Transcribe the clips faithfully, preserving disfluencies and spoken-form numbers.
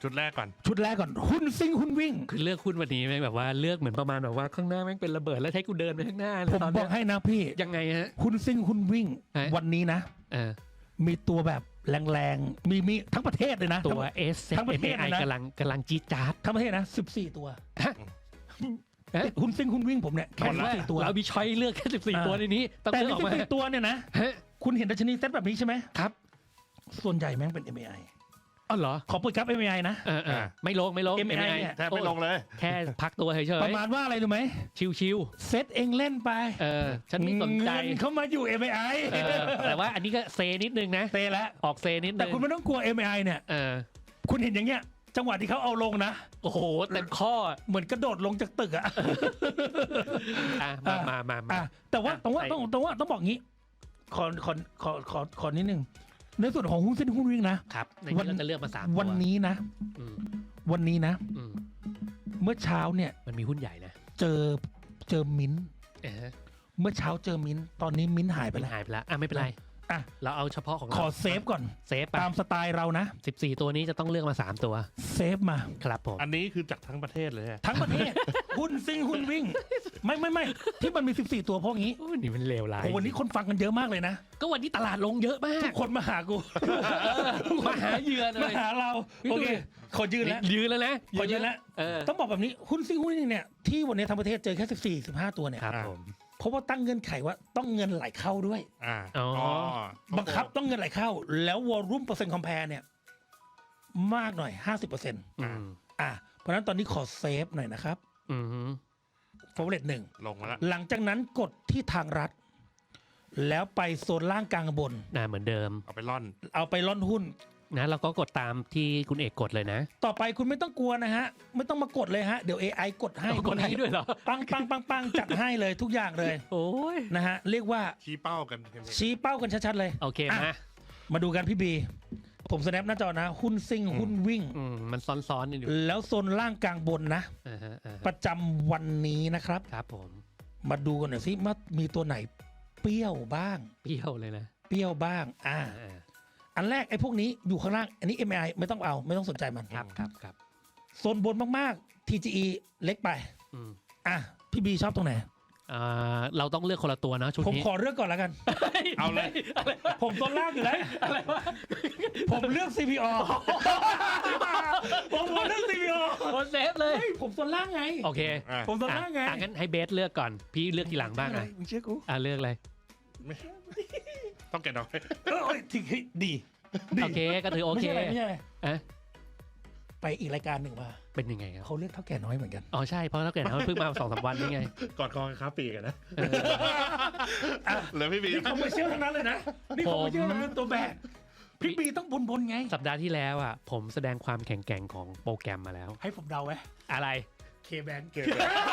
ชุดแรกก่อนชุดแรกก่อนหุ้นซิ่งหุ้นวิ่งคือเลือกหุ้นวันนี้แม่งแบบว่าเลือกเหมือนประมาณแบบว่าข้างหน้าแม่งเป็นระเบิดแล้วใช้กูเดินไปข้างหน้าเลยผมตอนบเนี้อย กให้นะพี่ยังไงฮะหุ้นซิ่งหุ้นวิ่งฮะวันนี้นะเออมีตัวแบบแรงๆมีมีทั้งประเทศเลยนะตัว S ทั้งประเทศเอ็ม เอ ไอเลยนะกำลังกำลังจี๊ดจ๊าดทั้งประเทศนะสิบสี่ตัวฮะเอ๊ะติดหุ้นซิ่งหุ้นวิ่งผมเนี่ยแค่แค่ว่าสิบสี่ตัวเรามีช้อยเลือกแค่สิบสี่อ่าตัวในนี้ต้องแต่เลือกในออกสิบมาสี่ตัวเนี่ยนะฮะคุณเห็นดัชนีเซ็ตแบบนี้ใช่ไหมครับส่วนใหญ่แม่งเป็น เอ็ม เอ ไออ๋อเหรอขอเปิดกราฟ เอ็ม เอ ไอ นะเออเออไม่ลงไม่ลงเอ็ม เอ ไอ เนี่ยแทบไม่ลงเลยแค่พักตัวเฉยประมาณว่าอะไรรู้ไหมๆชิวเซ็ตเองเล่นไปๆเออฉันไม่สนใจเงินเข้ามาอยู่ เอ็ม เอ ไอเออแต่ว่าอันนี้ก็เซนิดนึงนะเตะแล้วออกเซนิดนึงแต่คุณไม่ต้องกลัว เอ็ม เอ ไอ เนี่ยเออคุณเห็นอย่างเงี้ยจังหวะที่เขาเอาลงนะโอ้โหเต็มข้อเหมือนกระโดดลงจากตึกอะอ่ะมามามามาอ่ะแต่ว่าอ่ะต้องว่าใส่ต้องต้องว่าต้องบอกงี้ขอขอขอขอขอนิดนึงในส่วนของหุ้นเส้นหุ้นวิ่งนะครับในนี้เราจะเลือกมาสามตัววันนี้นะอืมวันนี้นะอืมเมื่อเช้าเนี่ยมันมีหุ้นใหญ่นะเจอเจอมิ้นท์เออเมื่อเช้าเจอมิ้นท์ตอนนี้มิ้นท์หายไปมันแล้วหายไปแล้วอ่ะไม่เป็นไรอ่ะเราเอาเฉพาะของขเราอเซฟก่อนเซฟไปตามสไตล์เรานะสิบสี่ตัวนี้จะต้องเลือกมาสามตัวเซฟมาครับผมอันนี้คือจากทั้งประเทศเลยอะทั้งประเทศ หุ้นซิ่งหุ้นวิ่ง ไม่ไม่ไม่ที่มันมีสิบสี่ตัวเพราะงี้โอ้ยนี่มันเลวร้ายโอ้วันนี้คนฟังกันเยอะมากเลยนะก็วันนี้ตลาดลงเยอะมาทุกกคนมาหากูมาหาเหยื่อเลมาย หาเราพี่โอดูเคดิขอยืนแล้วยืนแล้วนะขอยืนแล้วเออต้องบอกแบบนี้หุ้นซิ่งหุ้นวิ่งเนี่ยที่วันนี้ทั้งประเทศเจอแค่สิบสี่ สิบห้าตัวเนี่ยครับผมเพราะว่าตั้งเงื่อนไขว่าต้องเงินไหลเข้าด้วยอ่าอ๋อบังคับต้องเงินไหลเข้า แล้ววอลลุ่มเปอร์เซ็นต์คอมแพร์เนี่ยมากหน่อย ห้าสิบเปอร์เซ็นต์อืมอ่ะเพราะฉะนั้นตอนนี้ขอเซฟหน่อยนะครับอืมฟอร์เรตหนึ่งลงมาแล้วหลังจากนั้นกดที่ทางรัฐ แล้วไปโซนล่างกลางบนน่าเหมือนเดิมเอาไปล่อนเอาไปล่อนหุ้นนะเราก็กดตามที่คุณเอกกดเลยนะต่อไปคุณไม่ต้องกลัวนะฮะ ไม่ต้องมากดเลยฮะ เดี๋ยว เอ ไอ กดให้กดให้ด้วยเหรอปังปังปังปังจัดให้เลยทุกอย่างเลยโอ้ยนะฮะ เรียกว่าชี้เป้ากันเห็นๆชี้เป้ากันชัดๆเลยโอเคอ่ะมามาดูกันพี่บี ผมสแนปหน้าจอนะ หุ้นซิ่งหุ้นวิ่งอืมมันซ้อนๆกันอยู่แล้วโซนล่างกลางบนนะอ่าฮะอ่าฮะประจำวันนี้นะครับครับผมมาดูกันหน่อยสิว่ามีตัวไหนเปรี้ยวบ้างเปรี้ยวเลยนะเปรี้ยวบ้าง อ่าอ่าอันแรกไอ้พวกนี้อยู่ข้างล่าง อันนี้ เอ็ม ไอ ไม่ต้องเอาไม่ต้องสนใจมันครับครับครับโซนบนมากๆ ที จี อี เล็กไปอืมอ่ะ พี่บีชอบตรงไหนอ่าเราต้องเลือกคนละตัวนะชุดผมนี้ขอเลือกก่อนแล้วกันเอาเลยผมโซนล่างอยู่แล้วอะไรวะผมเลือก ซี พี อ ผมเลือก ซี พี อโอเซฟเลยเฮ้ยผมโซนล่างไงโอเคอ่ะผมโซนล่างไงอ่ะงั้นให้เบสเลือกก่อน พี่เลือกทีหลังบ้างอะไรอ่ะมึงเชื่อกูอ่ะเลือกเลยไม่ต้องแกะดอกเออเอ้ยที่ดีดีโอเคก็ถือโอไม่เคใช่อะไรไม่ใช่อะไรอ่ะไปอีกรายการหนึ่งมาเป็นยังไงครับเขาเลือกเท่าแก่น้อยเหมือนกันอ๋อใช่เพราะถ้าเกิดเขาเพิ่งมาสองสามวันนี่ไงกอดคอกันครับปีกันนะเออเหลือพี่บีนี่คอมเมอร์เชียลทั้งนั้นเลยนะ นี่คอมเมอร์เชียลทั้งนั้นตัวแบกพี่บีต้องบนบนๆไงสัปดาห์ที่แล้วอ่ะผมแสดงความแข็งแกร่งของโปรแกรมมาแล้วให้ผมเดาไหมอะไรเคแบงเกิด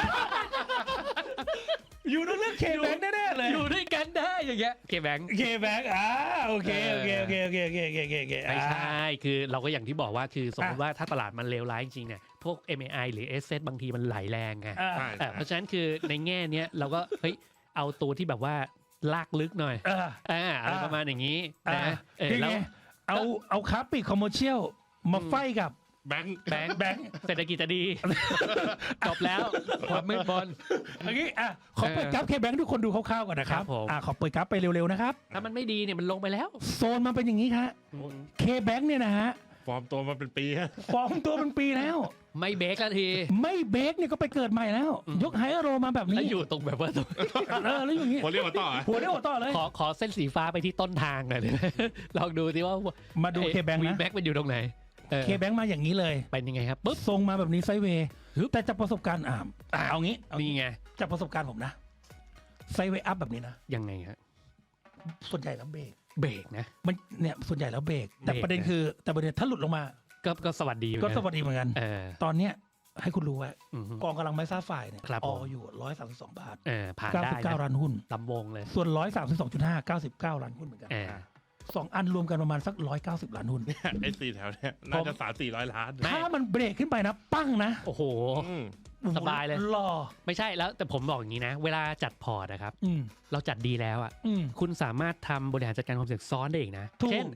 อยู่ต้องเลือกเคแบงแน่ๆเลยอยู่ด้วยกันได้อย่างเงี้ยเคแบงเคแบงอ่าโอเคโอเคโอเคโอเคโอเคโอเคโอเคโอเคไม่ใช่คือเราก็อย่างที่บอกว่าคือสมมติอ่ะว่าถ้าตลาดมันเลวร้ายจริงๆเนี่ยพวก เอ็ม เอ ไอ หรือ เอส เซท บางทีมันไหลแรงไงอ่าใช่เออเพราะฉะนั้นคือในแง่เนี้ยเราก็เฮ้ยเอาตัวที่แบบว่าลากลึกหน่อยอ่าอ่าอะไรอ่าประมาณอย่างนี้อ่านะเออคือแล้ไงวเอาเอาค้าปลีกคอมเมอร์เชียลมาไฟกับแบงค์แบงค์แบงค์เศรษฐกิจจะดี จบแล้วความมืดบนอันนี้อ่ะขอเปิดกราฟเคแบงทุกคนดูคร่าวๆก่อนนะครับครับผมอ่ะขอเปิดกราฟไปเร็วๆนะครับถ้ามันไม่ดีเนี่ยมันลงไปแล้วโซนมันเป็นอย่างนี้ครับเคแบงเนี่ยนะฮะฟอร์มตัวมาเป็นปีฮะฟอร์มตัวเป็นปีแล้วไม่เบรกแล้วทีไม่เบรกเนี่ยก็ไปเกิดใหม่แล้ว ยกไฮโรมาแบบแล้วนี้อยู่ตรงแบบว่าตรงเออแล้วอยู่อย่างนี้หัวเรียกว่าต่อเหรอหัวได้หัวต่อเลยขอขอเส้นสีฟ้าไปที่ต้นทางหน่อยเลยลองดูสิว่ามาดูเคแบงวีนะแบ็กมันอยู่ตรงไหนเออเคแบงมาอย่างนี้เลยเป็นยังไงครับปุ๊บทรงมาแบบนี้ไซด์เวย์ฮึบแต่จากประสบการณ์อ่าอ่ะเอางี้เอางี้นี่ไงจากประสบการณ์ผมนะไซด์เวย์อัพแบบนี้นะยังไงฮะส่วนใหญ่แล้วเบรกเบรกนะมันเนี่ยส่วนใหญ่แล้วเบรกแต่เบรกประเด็นนะคือแต่ประเด็นถ้าหลุดลงมาก็ก็สวัสดีเหมือนก็นสวัสดีเหมือนกันเออตอนเนี้ยให้คุณรู้ว่าอือฮึกองกำลังไม้ซ่าฝ่ายเนี่ยครับอผมอยู่ร้อยสามสิบสองบาทเออผ่านเก้าได้สิบเก้านะล้านหุ้นลำวงเลยส่วนร้อยสามสิบสองจุดห้าเก้าสิบเก้าล้านหุ้นเหมือนกันเออสองอันรวมกันประมาณสักร้อยเก้าสิบล้านหุ้นไอ้สี่แถวเนี้ยน่าจะสามสี่ร้อยล้านไม่ถ้ามันเบรกขึ้นไปนะ ปั้งนะโอ้โหอืมสบายเลยหล่อไม่ใช่แล้วแต่ผมบอกอย่างนี้นะ เวลาจัดพอร์ตนะครับอืมเราจัดดีแล้วอ่ะอืมคุณสามารถทำบริหารจัดการความเสี่ยงซ้อนได้อีกนะถูกเช่น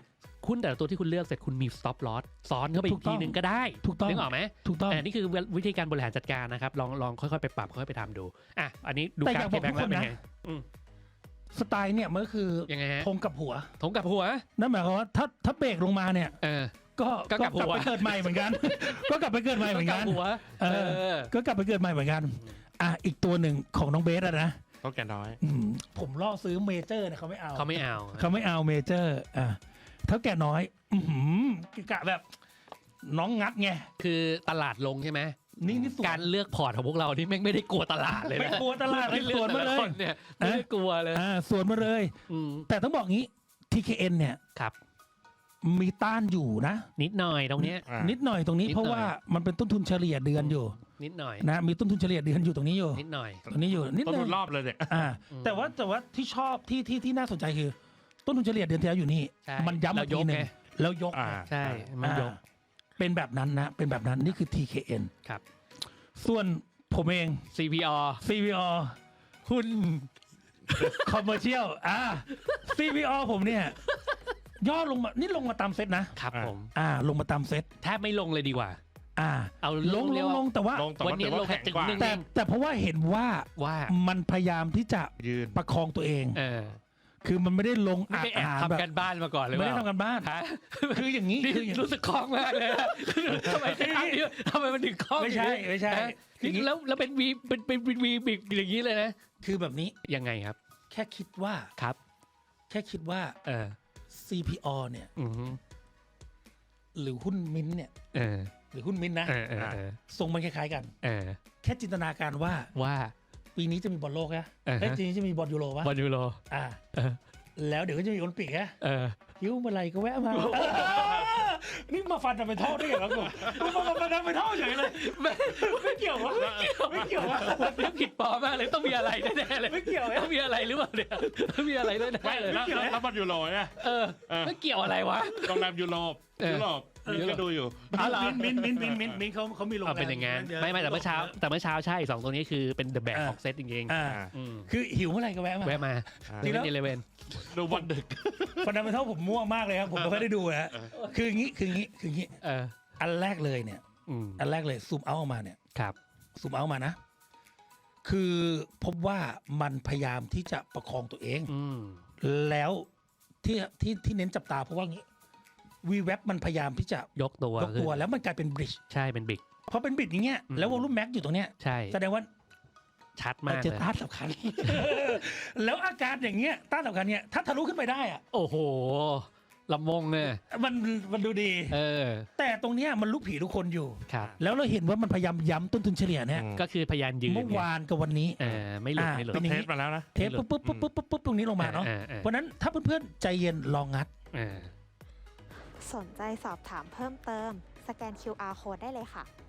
หุ้นแต่ละตัวที่คุณเลือกเสร็จคุณมี stop loss ซ้อนเข้าไปอีกทีนึงก็ได้ถูกต้องนึกออกไหมถูกต้องอันนี้คือวิธีการบริหารจัดการนะครับลองลองค่อยๆไปปรับค่อยๆไปทำดูอ่ะอันนี้ดูแต่กาอรยากเคบอกแบงทุค์กแล้วคนเป็นนะไงอืมสไตล์เนี่ยมันก็คือยังไงฮะธงกับหัวถงกับหัวนั่นหมายความว่าถ้าถ้าเบรกลงมาเนี่ยเออก็ก็กลับหัวไปเกิดใหม่เหมือนกัน ก็กลับไปเกิดใหม่เหมือนกักับ นหัวเอเอออก็กลับไปเกิดใหม่เหมือนกันอ่ะอีกตัวหนึ่งของน้องเบสอะนะต้องแก่น้อยอืมผมล่อซื้อเมเจอร์เนี่ยเขาไม่เอาเขาไม่เอาเขาไม่เอาเมเจอร์อ่ะเท่าแก่น้อย อือหือกะแบบน้องงัดไงคือตลาดลงใช่ไหมนี่นี่สวนการเลือกพอร์ตของพวกเรานี่แม่งไม่ได้กลัวตลาดเลยนะไม่กลัวตลาดเลยเลือกสวนมาเลยแต่ะคนเนี่ยไม่ได้กลัวเลยอ่าสวนมาเลยอืมแต่ต้องบอกงี้ ที เค เอ็น เนี่ยครับมีต้านอยู่นะนิดหน่อยตรงเนี้ยอ่านิดหน่อยตรงนี้นิดหน่อยเพราะว่ามันเป็นต้นทุนเฉลี่ยเดือนอยู่นิดหน่อยนะมีต้นทุนเฉลี่ยเดือนอยู่ตรงนี้อยู่นิดหน่อยตรงนี้อยู่นิดต้นนึทุงนรอบเลยเนี่ยอ่าอืมแต่ว่าแต่ว่าที่ชอบที่ที่ที่น่าสนใจคือ ต้นทุนเฉลี่ยเดือนที่แล้วอยู่นี่ใช่มันย้ำแล้มาว ทียกหนึ่งไงแล้วยกอ่าใช่มันยกอ่าเป็นแบบนั้นนะ เป็นแบบนั้นนี่คือ ที เค เอ็นครับส่วนผมเองซี พี อซี พี อ หุ้น คอมเมอร์เชียลอ่า ซี พี อ ผมเนี่ยย่อลงมานี่ลงมาตามเซตนะครับอ่าผมอ่า ลงมาตามเซตแทบไม่ลงเลยดีกว่าอ่าเอาลงลเรียงกว่าลงแต่ว่าลงแต่วันว่านี้ถือว่าลงแค่แข็งกว่าถึงหนึ่งแต่แต่เพราะว่าเห็นว่าว่ามันพยายามที่จะยืนประคองตัวเองเออคือมันไม่ได้ลงไม่อาไปแอบหารทำแบบกันบ้านมาก่อนเลยไม่ได้ทำกันบ้านฮะคืออย่างนี้นี่คืออย่างนี้รู้สึกคล่องมากเลยนะทำไมทำนี้ทำไมมันถึงคล่องไม่ใช่ไม่ใช่ฮะคืออย่างนี้แล้วแล้วเป็นวีเป็นเป็นเป็นวีบิกอย่างนี้เลยนะคือแบบนี้ยังไงครับแค่คิดว่าครับแค่คิดว่าเออซี พี อ เนี่ยอือฮึหรือหุ้นมิ้นท์เนี่ยเออหรือหุ้นมิ้นท์นะเออเออเออทรงมันคล้ายๆกันเออแค่จินตนาการว่าว่าปีนี้จะมีบอลโลกนะอ่าฮะเอ้ยปีนี้จะมีบอลยูโรปะบอลยูโรอ่าเออแล้วเดี๋ยวก็จะมีโอลิมปิกนะเออยิ้วเมื่อไหรก็แวะมาเออนี่มาฟันจะไปท่อได้เหรอกูนี่มาฟันจะไปท่อเฉยเลยไม่ไม่เกี่ยววะไม่เกี่ยววะเรื่องผิดปลอมมากเลยต้องมีอะไรแน่ๆเลยไม่เกี่ยวต้องมีอะไรหรือเปล่าเนี่ยต้องมีอะไรแน่ไม่ๆเลยแล้วแล้วแล้วบอลยูโรเนี่ยเออเออไม่เกี่ยวอะไรวะโรงแรมยูโรปเออยุโรปมินก็ดูอยู่อ๋อเหรอมินมินมินมินมินเขาเขามีโรงแรเอามเป็นอย่างงั้นยะไม่ไม่แต่เมื่อเช้าแต่เมื่อเช้าใช่สองตัวนี้คือเป็น the back อ่า of set จริงอ่าๆอืมคือหิวเมื่อไหรก็แวะมาแวะมาอ่าจริงแล้วเอเลเวนดูบอลดึกฟันดัมเบลทัลผมมั่วมากเลยครับ ผมไม่ค่อยได้ดูนะคืออย่างนี้คืออย่างนี้คืออย่างนี้เอออันแรกเลยเนี่ยอืมอันแรกเลยซูมเอาออกมาเนี่ยครับซูมเอามานะ คือพบว่ามันพยายามที่จะประคองตัวเองอืมแล้วที่ที่ที่เน้นจับตาเพราะว่างี้วีเว็บมันพยายามที่จะยกตัวยกตัวแล้วมันกลายเป็นบริดจ์ใช่เป็นบิ๊กพอเป็นบริดจ์อย่างเงี้ยอืมแล้ววอลลุ่มแม็กอยู่ตรงเนี้ยใช่แสดงว่าชัดมัมาน กจะเลยต้านสำคัญ แล้วอาการอย่างเงี้ยต้านสำคัญเนี่ยถ้าทะลุขึ้นไปได้อะโอ้โหลำมงเนี่ยมันมันดูดีเออแต่ตรงเนี้ยมันลุกผีทุกคนอยู่ครับแล้วเราเห็นว่ามันพยายามย้ำต้นทุนเฉลี่ยเนี่ยอืมก็คือพยานยืนเมื่อไงวานกับวันนี้เออไม่หลุดอ่าไม่หลุดเป็ต้นองอย่างนี้เทสมาแล้วนะเทปปุ๊บปุ๊บปุ๊บปุ๊บปุ๊บปุ๊บตรงนี้ลงมาเนาะออออเพราะฉะนั้นถ้าเพื่อนๆใจเย็นลองงัดเออสนใจสอบถามเพิ่มเติม สแกน คิว อาร์ Code ได้เลยค่ะ